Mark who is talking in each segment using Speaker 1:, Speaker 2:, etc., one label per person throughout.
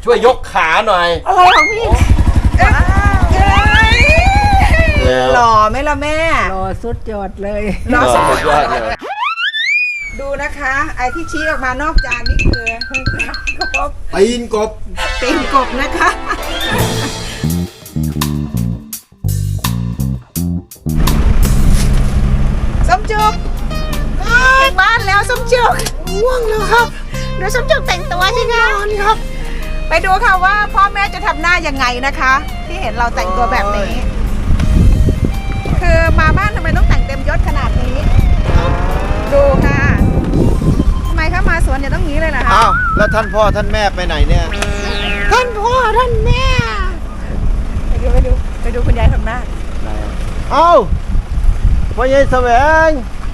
Speaker 1: ช่วยยกขาหน่อย
Speaker 2: อะไรของพี่หล่อไหมล่ะแม่
Speaker 3: หล่อสุดยอดเลย
Speaker 2: หล่อสุด
Speaker 1: ยอดเลย
Speaker 2: ดูนะคะไอ้ที่ชี้ออกมานอกจานนี่คือกบ
Speaker 1: ตีนกบ
Speaker 2: ตีนกบนะคะส้มจุกถึงบ้านแล้วส้มจุกง่วงแล้วครับเดี๋ยวส้มจุกแต่งตัวใช่ไหมครับไปดูค่ะว่าพ่อแม่จะทำหน้ายังไงนะคะ ที่เห็นเราแต่งตัวแบบนี้คือมาบ้านทำไมต้องแต่งเต็มยศขนาดนี้ดูค่ะทำไมคะมาสวนอย่าต้องงี้เลยล่ะคะ
Speaker 1: อ้าวแล้วท่านพ่อท่านแม่ไปไหนเนี่ย
Speaker 2: ท่านพ่อท่านแม่ไปดูคุณยายทำหน้า
Speaker 1: เอ้าพ่อใหญ่แสวง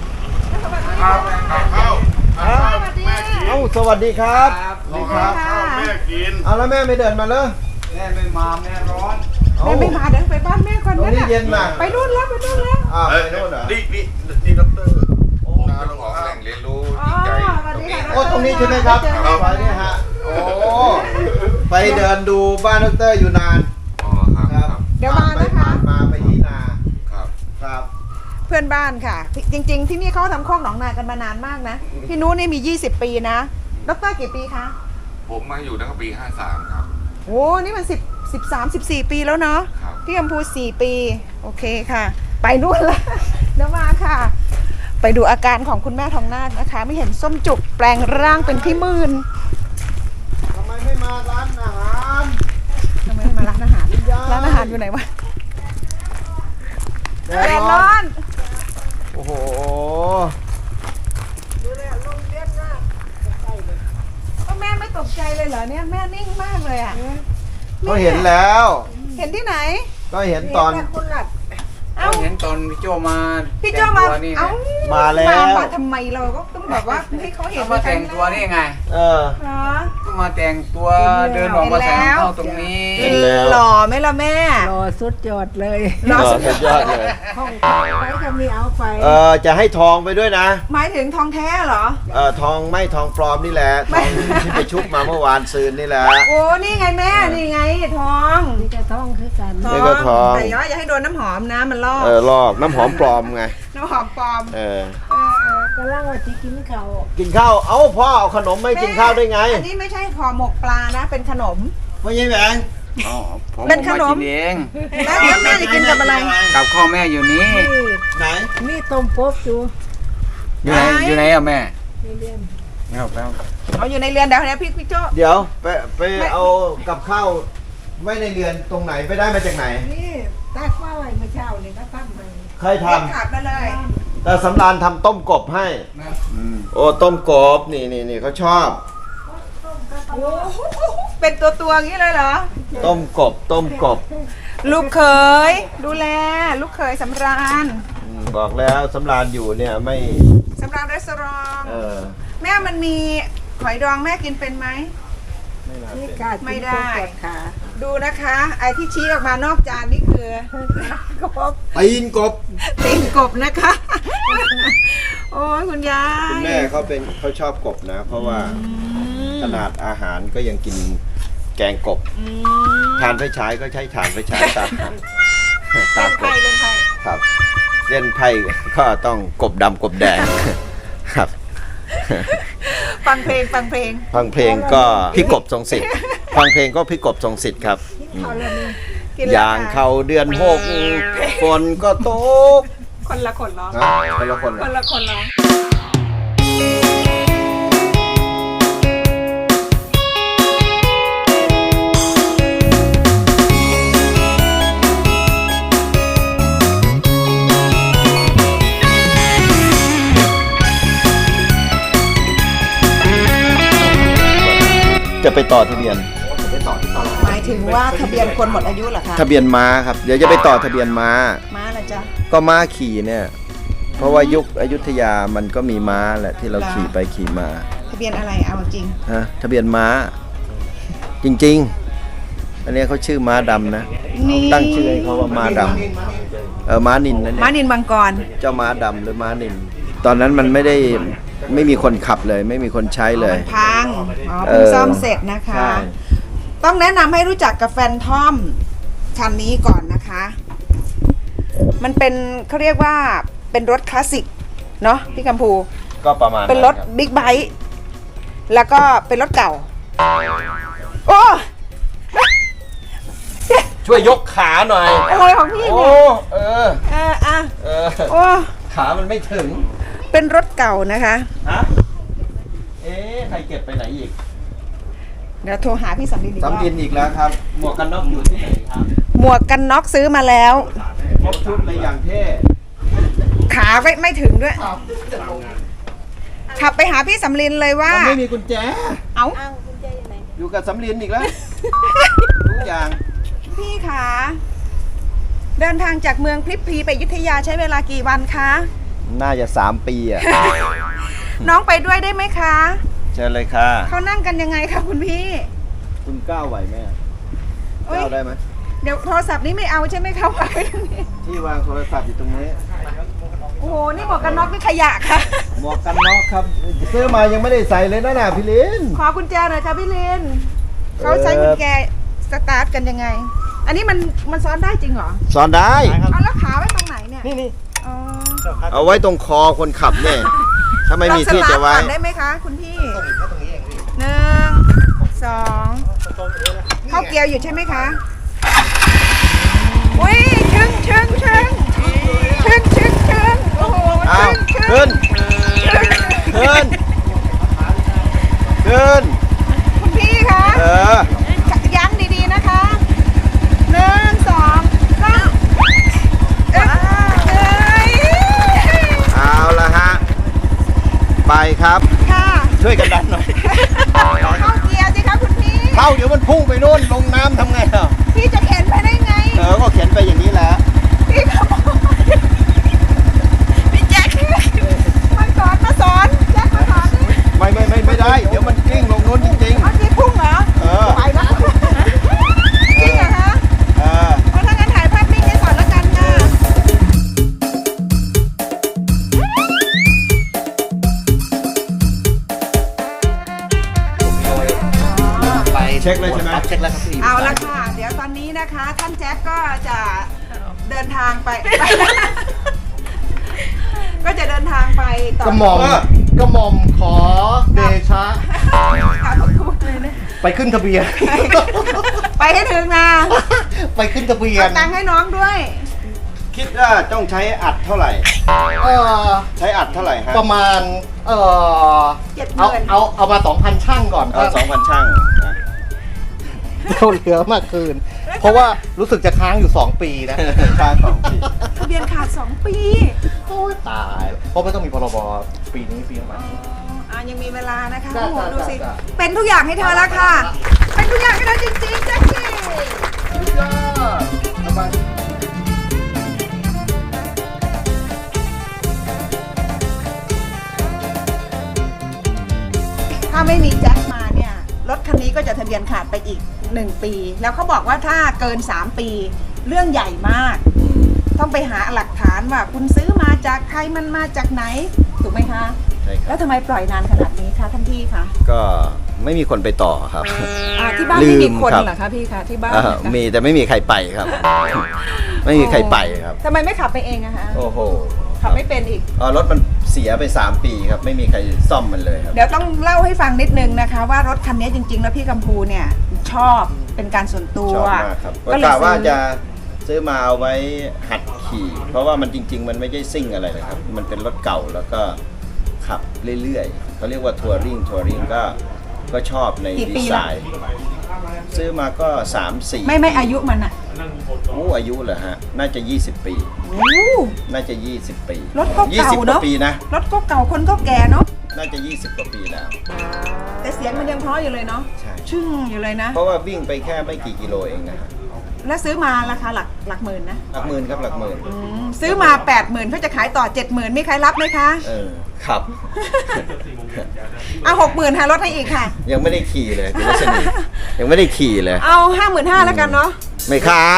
Speaker 1: เอ้าสวัสดีครับ
Speaker 4: สวัสดีครับแม่กิน
Speaker 1: เอาแล้วแม่ไม่เดินมาเลย
Speaker 4: แม่ไม่มาแม่ร้อน
Speaker 2: แม่ไม่มาเดินไปบ้านแม่ก่อนนะ
Speaker 1: เย็นมาก
Speaker 2: ไปนู่นแล้วไปนู่นแล้ว
Speaker 1: ไปนู่นเหรอ
Speaker 4: นี่ด็อกเตอร์ผมกำลังออกแหล่งเรียนรู้ดีใจ
Speaker 1: ตรงนี้ใช่ไหมครับไปเนี่ยฮะโอ้ไปเดินดูบ้านด็อกเตอร์อยู่นาน
Speaker 4: ครับ
Speaker 2: เดี๋ยวมานะคะ
Speaker 1: มาไปที่นา
Speaker 4: ครับ
Speaker 2: เพื่อนบ้านค่ะจริงๆที่นี่เขาทำคอกหนองนากันมานานมากนะพี่นุ้นี่มี20 ปีนะด็อกเตอร์กี่ปีคะ
Speaker 4: ผมมาอยู่ตั้งแต่ปี53ครับ
Speaker 2: โอ้นี่มัน13-14 ปีแล้วเนาะพี่กัมพู4 ปีโอเคค่ะไปนู่นละเดี๋ยวมาค่ะไปดูอาการของคุณแม่ทองนาคนะคะไม่เห็นส้มจุกแปลงร่างเป็นพี่มื่น
Speaker 1: ทำไมไม่มาร้านอาหาร
Speaker 2: ทำไมไม่มาร้านอาหารร้านอาหารอยู่ไหนวะแดดร้อน
Speaker 1: โอ้โห
Speaker 2: ดูเลยลมเย็นมากก็แม่ไม่ตกใจเลยเหรอเนี่ยแม่นิ่งมากเลยอ่ะ
Speaker 1: ก็เห็นแล้ว
Speaker 2: เห็นที่ไหน
Speaker 1: ก็เห็นตอน
Speaker 5: เห็นตอนพี่โจมา
Speaker 2: พี่โจมา
Speaker 1: มาแล้ว
Speaker 2: มาทำไมเราก็ต้องบอกว่าให้เขาเห็น
Speaker 5: มาแต่งตัวนี่ไงก็มาแต่งตัวเดินออกมาแสงเข้าตรงนี้
Speaker 2: หล่อไหมล่ะแม่
Speaker 3: หล่อสุดยอดเลย
Speaker 1: หล่อสุดยอดเลย
Speaker 3: ห้องไปจะมีเอาไป
Speaker 1: จะให้ทองไปด้วยนะ
Speaker 2: หมายถึงทองแท้เหรอ
Speaker 1: ทองไม่ทองปลอมนี่แหละทองที่ไปชุบมาเมื่อวานซืนนี่แหละ
Speaker 2: โอ้นี่ไงแม่นี่ไงทอง
Speaker 3: นี่ก็ทองคือกัน
Speaker 1: นี่ก็ทอง
Speaker 2: แต่อย่าให้โดนน้ำหอมนะมันลอก
Speaker 1: ลอกน้ำหอมปลอมไง
Speaker 2: น้ำหอมปลอม
Speaker 3: ก็ล่างว่าจะกินข้าว
Speaker 1: เอ้าพ่อเอาขนมไม่กินข้าวได้ไง
Speaker 2: อันนี้ไม่ใช่ห่อหมกปลานะเป็นขนม
Speaker 1: ไม่ใช่แหวง
Speaker 5: เป็นขนม
Speaker 2: เองแล้วแม่จะกินกับอะไร
Speaker 5: กับข้าวแม่อยู่นี้
Speaker 1: ไหน
Speaker 3: นี่ต้มกบ
Speaker 5: อยู่ไหนอะแม่
Speaker 3: ในเรือน
Speaker 2: เอาอยู่ในเรือนเดี๋ยวนะพี่โจ้
Speaker 1: เดี๋ยวไปเอากับข้าวไว้ในเรือนตรงไหนไปได้มาจากไหน
Speaker 3: นี่ตักว่าไว้เมื่อเช้านี่ก็ตั้งมา
Speaker 1: ใครท
Speaker 2: ำขาดมาเลย
Speaker 1: แต่สำราญทำต้มกบให้โอ้ต้มกบนี่เขาชอบ
Speaker 2: เป็นตัวอย่างนี้เลยเหรอ
Speaker 1: ต้มกบ
Speaker 2: ลูกเขยดูแลลูกเขยสำราญ
Speaker 1: บอกแล้วสำราญอยู่เนี่ยไม่
Speaker 2: สำราญรีสอร์ทแม่มันมีหอยดองแม่กินเป็นไหมไม่ได้ค่ะดูนะคะไอ้ที่ชี้ออกมานอกจานนี่คือกบ
Speaker 1: ตีนก
Speaker 2: บนะคะโอ้ยคุณยาย
Speaker 1: คุณแม่เขาชอบกบนะเพราะว่าขนาดอาหารก็ยังกินแกงกบทานไฟฉายก็ใช้ถ่านไฟฉายตาม
Speaker 2: เล่นไพ่
Speaker 1: ครับเล่นไพ่ก็ต้องกบดำกบแดงครับ
Speaker 2: ฟังเพลง
Speaker 1: ก็พี่กบทรงสิทธิ์ฟังเพลงก็พี่กบทรงสิทธิ์ครับอย่างเขาเดือน6ฝนก็ตก
Speaker 2: คนละคนร้อง
Speaker 1: จะไปต่อทะเบียน
Speaker 2: หมายถึงว่าทะเบียนคนหมดอายุเหรอคะ
Speaker 1: ทะเบียนม้าครับเดี๋ยวจะไปต่อทะเบียนม้า
Speaker 2: อะไรจ๊ะ
Speaker 1: ก็ม้าขี่เนี่ยเพราะว่ายุคอยุธยามันก็มีม้าแหละที่เราขี่ไปขี่มา
Speaker 2: ทะเบียนอะไรเอาจริง
Speaker 1: ทะเบียนม้าจริงๆอันนี้เขาชื่อม้าดำนะตั้งชื่อให้เขาว่าม้าดำม้านินนั่นเอง
Speaker 2: ม้านินมังกร
Speaker 1: เจ้าม้าดำหรือม้านินตอนนั้นมันไม่มีคนขับเลยไม่มีคนใช้เลย
Speaker 2: พังเพิ่งซ่อมเสร็จนะคะต้องแนะนำให้รู้จักกับแฟนทอมคันนี้ก่อนนะคะ มันเป็นเขาเรียกว่าเป็นรถคลาสสิกเนาะพี่กัมพู
Speaker 1: ก็ประมาณ
Speaker 2: เป็นรถ
Speaker 1: คบ
Speaker 2: บิ๊กไบค์แล้วก็เป็นรถเก่า โอ้
Speaker 1: ช่วยยกขาหน่อย
Speaker 2: โอ้ยของพี่
Speaker 1: โอ้
Speaker 2: เนี่ยอ่ะ โอ้
Speaker 1: ขามันไม่ถึง
Speaker 2: เป็นรถเก่านะคะ
Speaker 1: ฮะ เอ๊ะใครเก็บไปไหนอีก
Speaker 2: เดี๋ยวโทรหาพี่สำลินอีกรอบ
Speaker 1: สำลินอีกแล้วครับ หมวกกันน็อกอยู่ที่ไหนครับ
Speaker 2: หมวกกันน็อกซื้อมาแล้ว
Speaker 1: ครบชุดเลยอย่างเท่
Speaker 2: ขาไม่ถึงด้วย ขับไปหาพี่สำลินเลยว่า
Speaker 1: มันไม่มีกุญแจ
Speaker 2: เอา
Speaker 1: อยู่กับสำลินอีกแล้ว ทุกอย่าง
Speaker 2: พี่ขาเดินทางจากเมืองพลิบพลีไปอยุธยาใช้เวลากี่วันคะ
Speaker 1: น่าจะ3 ปีอ่ะ
Speaker 2: น้องไปด้วยได้ไหมคะ
Speaker 1: เชิญเลยค่ะ
Speaker 2: เขานั่งกันยังไงคะคุณพี่
Speaker 1: คุณก้าวไหวไหมอะ
Speaker 2: เอ้ย
Speaker 1: ก้าวได้ไหม
Speaker 2: เดี๋ยวโทรศัพท์นี้ไม่เอาใช่ไหมคะวางไว้ตรงนี้
Speaker 1: ที่วางโทรศัพท์อยู่ตรงนี้
Speaker 2: โอ้โห นี่หมวกกันน็อกนี่ขยะค่ะ
Speaker 1: หมวกกันน็อกครับ ซื้อมายังไม่ได้ใส่เลยนะพี่ลิน
Speaker 2: ขอกุญแจหน่อยค่ะพี่ลินเขาใช้กุญแจสตาร์ทกันยังไง อันนี้มันซ้อนได้จริงเหรอ
Speaker 1: สอนได้
Speaker 2: เอาแล้วขาไว้ตรงไหนเนี่ย
Speaker 3: นี่
Speaker 2: อ๋อ
Speaker 1: เอาไว้ตรงคอคนขับเนี่ยถ้าไม่มีที่จะไว้
Speaker 2: ลองสตาร์ทก่อนได้ไหมคะคุณพี่หนึ่งสองเข้าเกียร์อยู่ใช่ไหมคะอุ้ยชึ้งโอ้โห
Speaker 1: อ้าว
Speaker 2: ชึ้ง
Speaker 1: ขึ้น
Speaker 2: คุณพี่คะ
Speaker 1: เออ
Speaker 2: ยั้งดีๆนะคะหนึ่งสองสามเอ้ย
Speaker 1: เอาละฮะ ไปครับ
Speaker 2: ค่ะ
Speaker 1: ช่วยกันดันหน่อย
Speaker 2: เข้าเกียร์สิคะคุณพี่
Speaker 1: เข้าเดี๋ยวมันพุ่งไปโน่นลงน้ำทำไงอ่ะ
Speaker 2: พี่จะเข็นไปได้ไง
Speaker 1: ก็เขียนไปอย่างนี้แหละ
Speaker 2: พี่ขโมยพี่แจ็คมาสอนแจ็คมาสอนดิ
Speaker 1: ไม่ได้ เดี๋ยวมันกลิ้งลงโน้นจริง
Speaker 2: เอาพี่พุ่งเหรอ
Speaker 1: ๆ เออ
Speaker 2: ไปแล้วจริงเหรอคะ
Speaker 1: เออ
Speaker 2: เอาถ้างั้นถ่ายภาพนิ่งให้ก่อนแล้วกันค่ะ
Speaker 5: ไป
Speaker 1: เช็คเลยใช่ไหม
Speaker 5: เช็คแล้วครับพี่
Speaker 2: เอาละค่ะ เดี๋ยวตอนนี้นะคะ ท่านแจ็คก็จะเดินทางไป ก็จะเดินทางไปต่อก
Speaker 5: ระหม่อมขอเดชะ
Speaker 2: ค่ะทุกเลยนะ
Speaker 5: ไปขึ้นทะเบียน
Speaker 2: ไปให้ถึงนะ
Speaker 5: ไปขึ้นทะเบีย
Speaker 2: เอา
Speaker 5: น
Speaker 2: ตังค์ให้น้องด้วย
Speaker 1: คิดว่าต้องใช้อัดเท่าไหร่
Speaker 5: เออ
Speaker 1: ใช้อัดเท่าไหร่ฮะ
Speaker 5: ประมาณ
Speaker 2: 70,000
Speaker 5: เอามา 2,000 ช่างก่อน
Speaker 1: เอา2,000 ช่างนะ
Speaker 5: เราเหลือมากคืน เพราะว่ารู้สึกจะค้างอยู่ 2 ปีนะ
Speaker 1: ค่าของผิด
Speaker 2: ทะเบียนขาด 2 ปี
Speaker 5: โอ้ยตาย เพราะไม่ต้องมีพรบปีนี้ปีใหม่
Speaker 2: ยังมีเวลานะคะ
Speaker 5: จ้ะ
Speaker 2: โอ้โห
Speaker 5: จ้ะ
Speaker 2: ดูสิ
Speaker 5: จ้ะ
Speaker 2: เป็นทุกอย่างให้เธอแล้วค่ะ เป็นทุกอย่างให้เธอจริงๆแจ็คกี้
Speaker 5: สุดยอดสบาย
Speaker 2: ถ้าไม่มีแจ็คมาเนี่ยรถคันนี้ก็จะทะเบียนขาดไปอีก 1 ปี แล้วเขาบอกว่าถ้าเกิน 3 ปี เรื่องใหญ่มาก ต้องไปหาหลักฐานว่าคุณซื้อมาจากใครมันมาจากไหน ถูกไหมคะ
Speaker 1: ใช่ค
Speaker 2: แล้
Speaker 1: รับ
Speaker 2: วทำไมปล่อยนานขนาดนี้คะท่านพี่คะ
Speaker 1: ก็ไม่มีคนไปต่อครับ
Speaker 2: ที่บ้านไม่มีคน
Speaker 1: ลืมครับ
Speaker 2: เหรอคะพี่คะที่บ้าน
Speaker 1: มีแต่ไม่มีใครไปครับ ไม่มีใครไปครับ
Speaker 2: ทำไมไม่ขับไปเองอะคะ
Speaker 1: โอ้โห
Speaker 2: ขับไม่เป็นอีก
Speaker 1: รถมันเสียไป3 ปีครับ ไม่มีใครซ่อมมันเลยครับ
Speaker 2: เดี๋ยวต้องเล่าให้ฟังนิดนึงนะคะ ว่ารถคันนี้จริง ๆ แล้วพี่กัมพูเนี่ยชอบเป็นการส่วนตัว
Speaker 1: ชอบมากครับ
Speaker 2: ก็
Speaker 1: ก็
Speaker 2: เลย
Speaker 1: กะว่า
Speaker 2: ซื้อ
Speaker 1: จะซื้อมาเอาไว้หัดขี่ เพราะว่ามันจริง ๆ มันไม่ใช่ซิ่งอะไรเลยครับ มันเป็นรถเก่าแล้วก็ขับเรื่อยๆเขาเรียกว่าทัวริงก็ชอบใน
Speaker 2: กี่
Speaker 1: ดี
Speaker 2: ปี
Speaker 1: ไซ
Speaker 2: ละ
Speaker 1: น์ ซื้อมาก็ 3-4
Speaker 2: ไม่อายุมันอะ
Speaker 1: อายุเหรอฮะ น่าจะ 20 ปี
Speaker 2: โอ้
Speaker 1: น่าจะ 20 ปี
Speaker 2: รถก็เก่า
Speaker 1: 20 ก
Speaker 2: เน
Speaker 1: ว่า
Speaker 2: อะ
Speaker 1: ปีนะ
Speaker 2: รถก็เก่าคนก็แก่เนาะ
Speaker 1: น่าจะ 20 กว่าปีแล้ว
Speaker 2: แต่เสียงมันยังเพราะอยู่เลยเนาะ
Speaker 1: ใช่
Speaker 2: ชึ่งอยู่เลยนะ
Speaker 1: เพราะว่าวิ่งไปแค่ไม่กี่กิโลเองนะฮะ
Speaker 2: แล้วซื้อมาราคาหลักหมื่นนะ
Speaker 1: หลักหมื่นครับหลักหมื่น
Speaker 2: ซื้อมา 80,000เขาจะขายต่อ 70,000มีใครรับไหมคะ
Speaker 1: ครับ
Speaker 2: เอา60,000หารถให้อีกค่ะ
Speaker 1: ยังไม่ได้ขี่เลยคุณรัชนียังไม่ได้ขี่เลย
Speaker 2: เอา 55,000แล้วกันเนาะ
Speaker 1: ไม่ขาย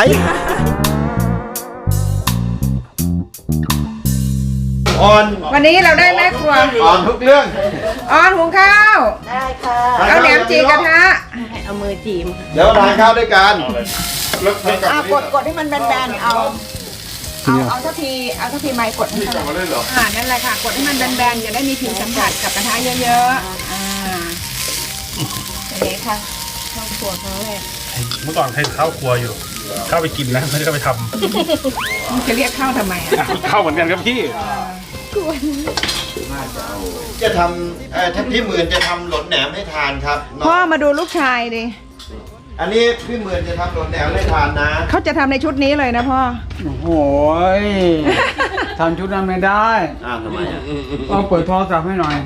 Speaker 1: ออน
Speaker 2: วันนี้เราได้แม่ครัว
Speaker 1: ออนทุกเรื่อง
Speaker 2: ออนหุงข้าว
Speaker 3: ได้ค่ะ
Speaker 2: เอาแหนมจีกระทะ
Speaker 3: เอามือ
Speaker 2: จีมค่ะ
Speaker 1: เดี๋ยวทานข้าวด้วยกัน
Speaker 4: แล้วกลับ
Speaker 2: กดให้มันแบนๆเอาทัพพีไม้กดให้
Speaker 4: นี่กลับมาเล่นเหรอ
Speaker 2: นั่นแหละค่ะกดให้มันแบนๆจะได้มีผิวสัมผัสกับกระทะเยอะๆอย่างนี้ค่ะข้าวครัวเขาเลย
Speaker 6: เมื่อก่อนเคยเข้าครัวอยู่ เข้าไปกินนะไม่ได้เข้าไปท
Speaker 2: จะเรียกข้าวทำไมอ่ะ
Speaker 6: ำ เข้าเหมือนกันครับพี่
Speaker 1: จะทำถ้าพี่หมื่นจะทำหลนแหนมให้ทานครับน้อง
Speaker 2: พ่อมาดูลูกชายดิ
Speaker 1: อันนี้พี่หมื่นจะทำหลนแหนมให้ทานนะ
Speaker 2: เขาจะทำในชุดนี้เลยนะพ่อ
Speaker 5: โอ้โหยทำชุดนั้นไม่ได้
Speaker 1: ทำไมอ่ะ
Speaker 5: เอาเปิดโทรศัพท์ให้หน่อย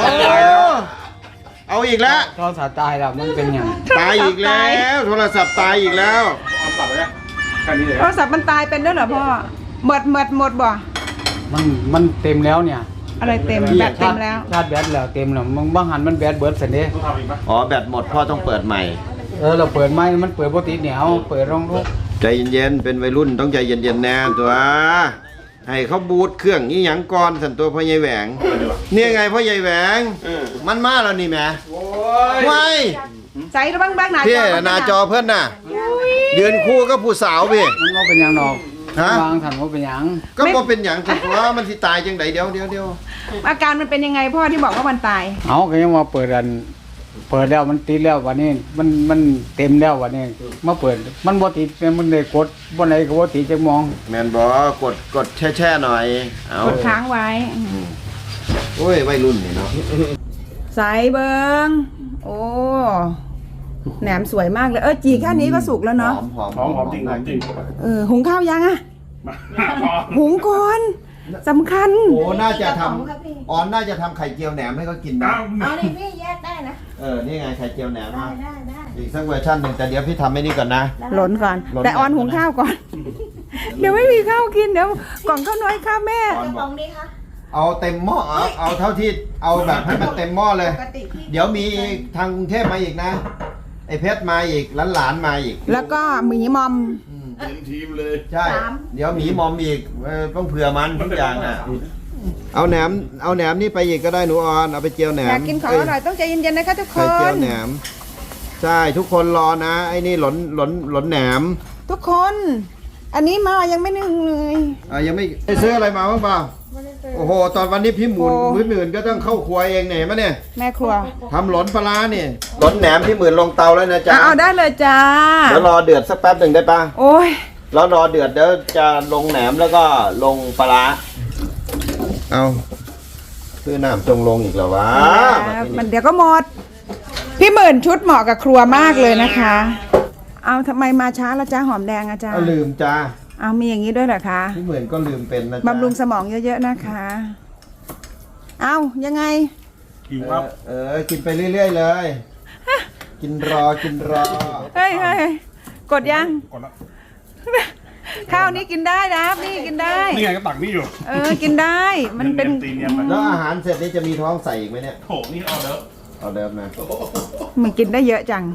Speaker 1: เอาอีกแล้ว
Speaker 5: โทรศัพท์ตายแล้วมันเป็นอย่าง
Speaker 1: ตายอีกแล้วโทรศัพท์ตายอีกแล้ว
Speaker 2: โทรศัพท์มันตายเป็นด้วยเหรอพ่อหมดบ่
Speaker 5: มันเต็มแล้วเนี่ย
Speaker 2: อะไรเต็มแบตเต็มแล้ว
Speaker 5: ชาร์จแบตแล้วเต็มแล้วมึงบ้างหันมันแบตเบิร์ดเสร็จเด้
Speaker 1: อ๋อแบตหมดพ่อต้องเปิดใหม่
Speaker 5: เราเปิดไม้มันเปิดปกติเนี่ยเอาเปิดรองลูก
Speaker 1: ใจเย็นๆเป็นวัยรุ่นต้องใจเย็นๆแน่ตัวให้เขาบูทเครื่องนี้หยังก่อนสันตัวพ่อใหญ่แหวงเนี่ยไงพ่อใหญ่แหวงมันมาแล้วนี่แหม่ไม่
Speaker 2: ใส่บ้างหนา
Speaker 1: พี่
Speaker 2: จอ
Speaker 1: หนาจอเพื่อนน่ะยืนคู่ก็ผู้สาวพี่
Speaker 5: มันก็เป็นอย่างดอก
Speaker 1: ฮะ
Speaker 5: วางถันว่าเป็นอย่าง
Speaker 1: ก็บ่เป็นอย่างสันตัวมันสิตายจังไดเดี๋ยว
Speaker 2: อาการมันเป็นยังไงพ่อที่บอกว่ามันตาย
Speaker 5: เอาก็ยังมาเปิดแล้วมันติดแล้ววันนี้มันเต็มแล้ววันนี้มาเปิดมันบ่ติดมันเลยกดบ่ไหนก็บ่ติดจะมอง
Speaker 1: แมนบอกกดแช่หน่อยเอา
Speaker 2: กดค้างไว้
Speaker 1: โอ้ยวัยรุ่นนี่เนาะ
Speaker 2: ใส่เบิงโอ้แหนมสวยมากเลยจีแค่นี้ก็สุกแล้วเนาะ
Speaker 1: หอม
Speaker 6: หอมจริงหอมจริง
Speaker 2: หุงข้าวยังอะหุงก่อนสำคัญ
Speaker 1: โอ้น่าจะทำออนน่าจะทำไข่เจียวแหนมให้เขากินนะ
Speaker 3: เอาดิพี่แยกได้นะ
Speaker 1: นี่ไงไข่เจียวแหนมมา
Speaker 3: ได้
Speaker 1: อีกสักเวอร์ชันหนึ่งแต่เดี๋ยวพี่ทำให้นี่ก่อนนะ
Speaker 2: หล่นก่อน
Speaker 1: หล่น
Speaker 2: แต่ออนหุงข้าวก่อน เดี๋ยวไม่มีข้าวกินเดี๋ยวกล่องข้าวน้อยข้าวแม่
Speaker 1: ออนบอกเอาเต็มหม้อเอาเท่าที่เอาแบบให้มันเต็มหม้อเลย เดี๋ยวมีทางกรุงเทพมาอีกนะไอ้เพชรมาอีกหลานมาอีก
Speaker 2: แล้วก็หมีมอม
Speaker 4: เต็มทีมเลย
Speaker 1: ใช่ เดี๋ยวหมีมอมอีกต้องเผื่อมันทุกอย่างอ่ะเอาแหนมนี่ไปอีกก็ได้หนูออนเอาไปเจียวแหนม
Speaker 2: อยากกินของอร่อยต้องใจเย็นๆนะคะทุกค
Speaker 1: ไข่เจีย
Speaker 2: น
Speaker 1: วแหนมใช่ทุกคนรอนะไอ้นี่หลนแหนม
Speaker 2: ทุกคน อันนี้มายังไม่นึ่งเลย
Speaker 1: ยังไม่ได้ซื้ออะไรมาบ้างเปล่าโอ้โหตอนวันนี้พี่หมื่นก็ต้องเข้าครัวเองเนี่ยมั้ยเนี่ย
Speaker 2: แม่ครัว
Speaker 1: ทำหลนปลาร้านี่หลนแหนมพี่หมื่นลงเตาแล้วนะจ๊ะ
Speaker 2: เอาได้เลยจ้า
Speaker 1: แล้วรอเดือดสักแป๊บหนึ่งได้ปะ
Speaker 2: โอ้ย
Speaker 1: แล้วรอเดือดเดี๋ยวจะลงแหนมแล้วก็ลงปลาร้าเอาคือน้ำจงลงอีกแล้ววะ
Speaker 2: มันเดี๋ยวก็หมด พี่หมื่นชุดเหมาะกับครัวมากเลยนะคะ เอาทำไมมาช้าแล้วจ้าหอมแดงอะจ้า
Speaker 1: ลืมจ้า
Speaker 2: เอามีอย่างนี้ด้วยเหรอคะ
Speaker 1: พี่หมื่นก็ลืมเป็นนะจ๊ะ
Speaker 2: บำรุงสมองเยอะๆนะคะ เอายังไง
Speaker 6: กินครับ
Speaker 1: กินไปเรื่อยๆเลย กินรอ
Speaker 2: เฮ้ยกดยัง
Speaker 6: ก่อนละ
Speaker 2: ข้าวนี้กินได้นะนี่กินได้
Speaker 6: นี่ไงก็ตักนี่อยู่
Speaker 2: กินได้ มันเป็น
Speaker 6: ตีเนียมมัน
Speaker 1: แล้วอาหารเสร็จนี่จะมีท้องใส่อีกไหมเนี่ย
Speaker 6: โถนี่เอาเด้อ
Speaker 1: เอาเดิมนะ
Speaker 2: มันกินได้เยอะจัง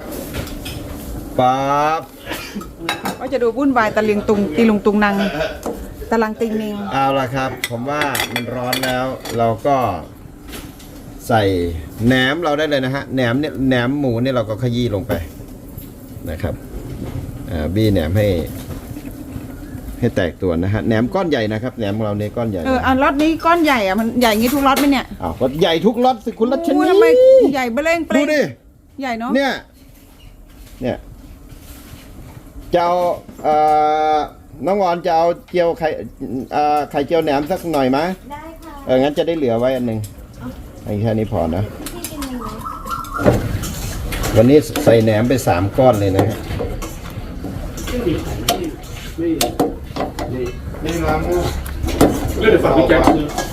Speaker 1: ปั๊บ
Speaker 2: ก็จะดูวุ่นวายตะลิงตุงตีลุงตุงนางตะลังติงนิง
Speaker 1: เอาละครับ ผมว่ามันร้อนแล้ว เราก็ใส่แหนมเราได้เลยนะฮะแหนมเนี่ยแหนมหมูเนี่ยเราก็ขยี้ลงไปนะครับบี้แหนมให้แตกตัวนะฮะแหนมก้อนใหญ่นะครับแหนมของเราเนี่ยก้อนใหญ่
Speaker 2: อันล็อตนี้ก้อนใหญ่อะมันใหญ่งี้ทุกล็อตไหมเนี่ย
Speaker 1: อ้าวก็ใหญ่ทุกล็อตสิคุณรัชนี
Speaker 2: ทำไมใหญ่เบล่งเป
Speaker 1: ดู
Speaker 2: ร่ง
Speaker 1: ดิ
Speaker 2: ใหญ่เนาะ
Speaker 1: เนี่ยจะเอาน้องวอนจะเอาเจียวไข่เจียวแหนมสักหน่อยไหมได้ค่ะงั้นจะได้เหลือไว้อันหนึ่งแค่นี้พอนะวันนี้ใส่แหนมไป3 ก้อนเลยนะฮะนี่ล้างมือ
Speaker 6: เรื่องฝากพี่แจ็ค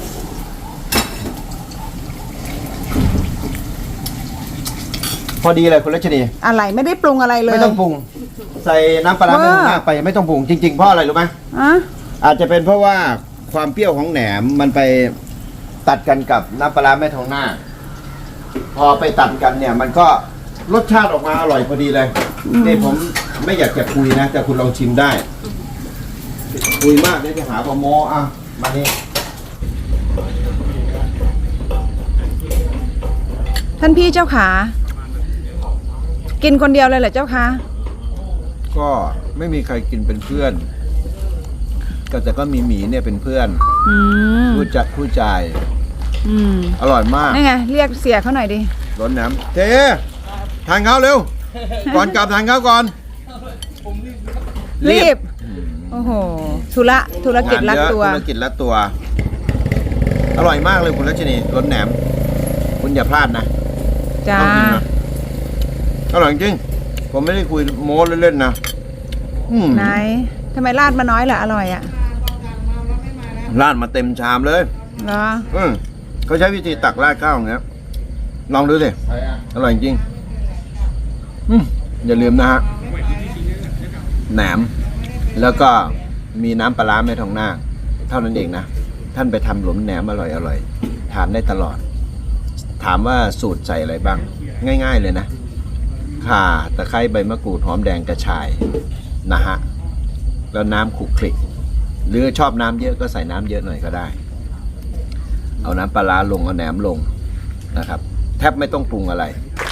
Speaker 1: พอดีเลยคุณรัชนี
Speaker 2: อะไรไม่ได้ปรุงอะไรเลย
Speaker 1: ไม่ต้องปรุง ใส่น้ำปลาร้าไม่ต้องมากไปไม่ต้องปรุงจริงๆเพราะอะไรรู้ไหม
Speaker 2: อะ
Speaker 1: อาจจะเป็นเพราะว่าความเปรี้ยวของแหนมมันไปตัดกันกับน้ำปลาร้าแม่ทองหน้า พอไปตัดกันเนี่ย มันก็รสชาติออกมาอร่อยพอดีเลยนี่ผมไม่อยากจะคุยนะ แต่คุณลองชิมได้ คุยมากเดี๋ยวจะหาปลาโมอ่ะมานี่
Speaker 2: ท่านพี่เจ้าขากินคนเดียวเลยเหรอเจ้าคะ
Speaker 1: ก็ไม่มีใครกินเป็นเพื่อนแต่ก็มีหมีเนี่ยเป็นเพื่อน
Speaker 2: อืม
Speaker 1: ผู้จ่าย
Speaker 2: อืม
Speaker 1: อร่อยมาก
Speaker 2: นี่ไงเรียกเสียเขาหน่อยดิ
Speaker 1: ร้อนน้ำเจ๊ทานข้าวเร็ว ก่อนกลับทานข้าวก่อน
Speaker 2: รีบ โอ้โห ธุรกิจรัดตัว
Speaker 1: ธุรกิจรัดตัว อร่อยมากเลยคุณรัชนีรสแหนม คุณอย่าพลาดนะ
Speaker 2: จ้า
Speaker 1: ต้องกินนะอร่อยจริง ผมไม่ได้คุยโม้เล่นๆนะม
Speaker 2: ไหนทำไมราดมาน้อยล่ะอร่อยอ่ะ
Speaker 1: ราดมาเต็มชามเลย
Speaker 2: เหรอ
Speaker 1: เขาใช้วิธีตักราดข้าวอย่างเงี้ย ลองดูสิ อร่อยจริง อย่าลืมนะฮะ แหนม แล้วก็มีน้ำปลาร้าแม่ทองนาคเท่านั้นเองนะ ท่านไปทำหลุมแหนมอร่อยทานได้ตลอด ถามว่าสูตรใส่อะไรบ้าง ง่ายๆเลยนะ ข่าตะไคร้ใบมะกรูดหอมแดงกระชายนะฮะ แล้วน้ำขลุกคลิก หรือชอบน้ำเยอะก็ใส่น้ำเยอะหน่อยก็ได้ เอาน้ำปลาร้าลงเอาแหนมลงนะครับ แทบไม่ต้องปรุงอะไร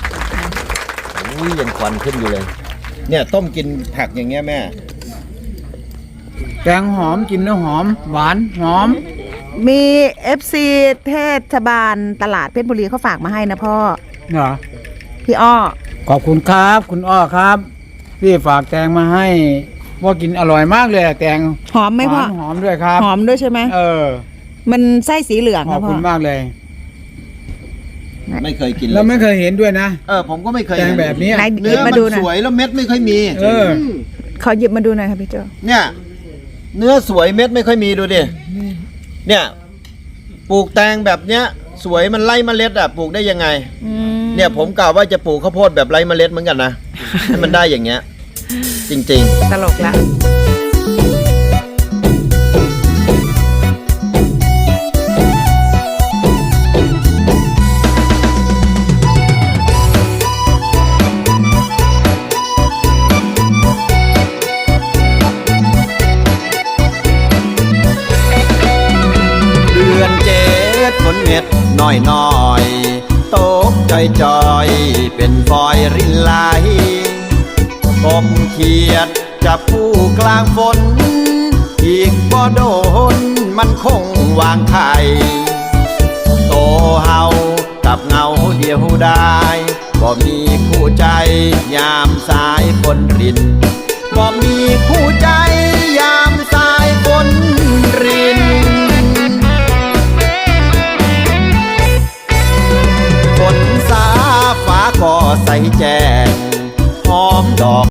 Speaker 1: ยังควันขึ้นอยู่เลย เนี่ยต้มกินผักอย่างเงี้ยแม่
Speaker 5: แตงหอมกินแล้วหอม หวานหอม
Speaker 2: มี FC เทศบาลตลาดเพชรบุรีเขาฝากมาให้นะพ่อ
Speaker 5: เหรอ
Speaker 2: พี่อ้อ
Speaker 5: ขอบคุณครับ คุณอ้อครับที่ฝากแตงมาให้ว่ากินอร่อยมากเลยอะแตง
Speaker 2: หอมไหมพ่อ
Speaker 5: หอมด้วยครับ
Speaker 2: หอมด้วยใช่ไหม มันไส้สีเหลือง
Speaker 5: ขอ
Speaker 2: นะ
Speaker 5: บ
Speaker 2: พ่อ
Speaker 5: คุณมากเลย
Speaker 1: ไม่เคยกินเล
Speaker 5: เรา
Speaker 1: ย
Speaker 5: ไม่เคยเห็นด้วยนะ
Speaker 1: ผมก็ไม่เคย
Speaker 5: แตง
Speaker 1: เห็น
Speaker 5: แบบนี้
Speaker 2: ไหนห
Speaker 1: เนื้
Speaker 2: ยิ
Speaker 1: อบ
Speaker 2: มา
Speaker 1: มัน
Speaker 2: ดูหน่อย
Speaker 1: สวยแล้วเม็ดไม่ค่อยมี
Speaker 5: เออ
Speaker 2: ขอหยิบมาดูหน่อยครับพี่โจ
Speaker 1: เนี่ย เนื้อสวยเม็ดไม่ค่อยมีดูดิ เนี่ย ปลูกแตงแบบเนี้ย สวยมันไล่เมล็ดปลูกได้ยังไง เนี่ยผมกล่าวว่าจะปลูกข้าวโพดแบบไร้เมล็ดเหมือนกันนะ ให้มันได้อย่างเงี้ย จริง
Speaker 2: ตลกละ
Speaker 1: ๆ เดือนเจ็ดฝนเม็ดน้อยน้อยๆตกจอยๆเป็นฟอยรินไหลกบเขียดจับผู้กลางฝน อีกบ่โดนมันคงวางไข่โตเฮากับเงาเดียวได้บ่มีคู่ใจยามสายฝนรินบ่มีคู่ใจยามสายฝนรินฝนสาฟ้าก็ใสแจ้งหอมดอก